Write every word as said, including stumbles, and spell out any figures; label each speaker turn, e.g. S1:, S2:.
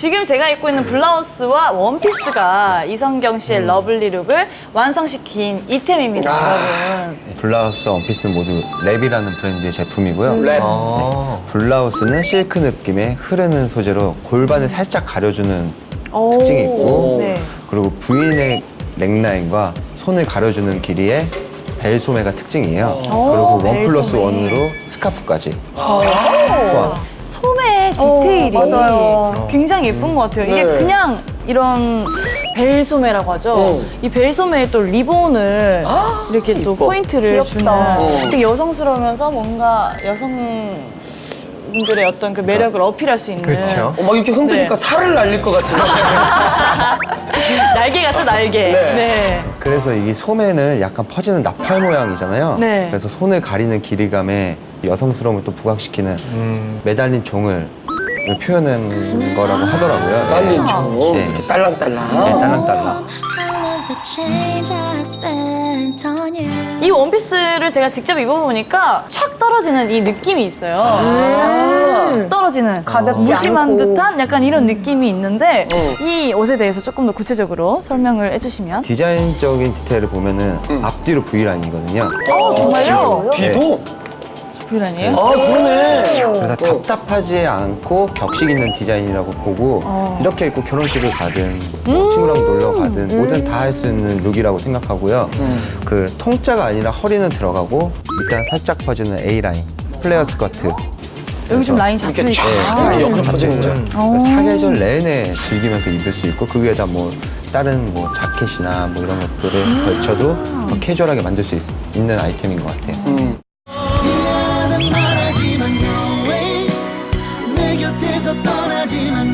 S1: 지금 제가 입고 있는 블라우스와 원피스가 이성경 씨의 러블리 룩을 완성시킨 이템입니다,
S2: 아.
S1: 여러분.
S3: 블라우스, 원피스는 모두 랩이라는 브랜드의 제품이고요.
S2: 랩.
S3: 네. 블라우스는 실크 느낌의 흐르는 소재로 골반을 살짝 가려주는
S1: 오.
S3: 특징이 있고
S1: 네.
S3: 그리고 V넥 넥라인과 손을 가려주는 길이의 벨 소매가 특징이에요. 그리고 원
S1: 벨
S3: 플러스
S1: 소매.
S3: 원으로 스카프까지
S1: 오.
S3: 포함.
S1: 소매 디테일이
S4: 어, 맞아요.
S1: 굉장히 예쁜 것 같아요. 이게
S2: 네.
S1: 그냥 이런 벨 소매라고 하죠.
S2: 어.
S1: 이 벨 소매에 또 리본을 이렇게 또
S2: 이뻐.
S1: 포인트를
S4: 귀엽다.
S1: 주는
S2: 어.
S1: 되게 여성스러우면서 뭔가 여성분들의 어떤 그 매력을 어필할 수 있는
S5: 그렇죠.
S2: 어, 막 이렇게 흔드니까
S1: 네.
S2: 살을 날릴 것 같은.
S1: 날개 같은 날개.
S2: 네.
S1: 네.
S3: 그래서 이 소매는 약간 퍼지는 나팔 모양이잖아요.
S1: 네.
S3: 그래서 손을 가리는 길이감에 여성스러움을 또 부각시키는
S5: 음.
S3: 매달린 종을 표현한 거라고 하더라고요.
S2: 날린 총.
S3: 네.
S2: 이렇게 딸랑딸랑.
S3: 네, 딸랑딸랑.
S1: 이 원피스를 제가 직접 입어보니까 착 떨어지는 이 느낌이 있어요. 툭 떨어지는
S4: 가볍지
S1: 무심한
S4: 않고.
S1: 듯한 약간 이런 느낌이 있는데
S2: 어.
S1: 이 옷에 대해서 조금 더 구체적으로 설명을 해주시면.
S3: 디자인적인 디테일을 보면은 앞뒤로 V라인이거든요.
S1: 어, 정말요?
S2: 뒤도?
S1: V라인이에요?
S2: 아, 그러네.
S3: 그래서 답답하지 않고 격식 있는 디자인이라고 보고
S1: 어.
S3: 이렇게 입고 결혼식을 가든 뭐 친구랑 놀러 가든 뭐든 다 할 수 있는 룩이라고 생각하고요. 그 통짜가 아니라 허리는 들어가고 밑단 살짝 퍼지는 A라인 플레어 스커트.
S1: 여기 좀 라인
S2: 이렇게
S1: 잡혀있다.
S2: 쫙
S3: 아,
S2: 옆으로 퍼지는 거.
S1: 어.
S3: 사계절 내내 즐기면서 입을 수 있고 그 위에다 뭐 다른 뭐 자켓이나 뭐 이런 것들을 걸쳐도 더 캐주얼하게 만들 수 있, 있는 아이템인 것 같아요.
S2: 음.
S6: 미안하단 말하지만 no way 내 곁에서 떠나지만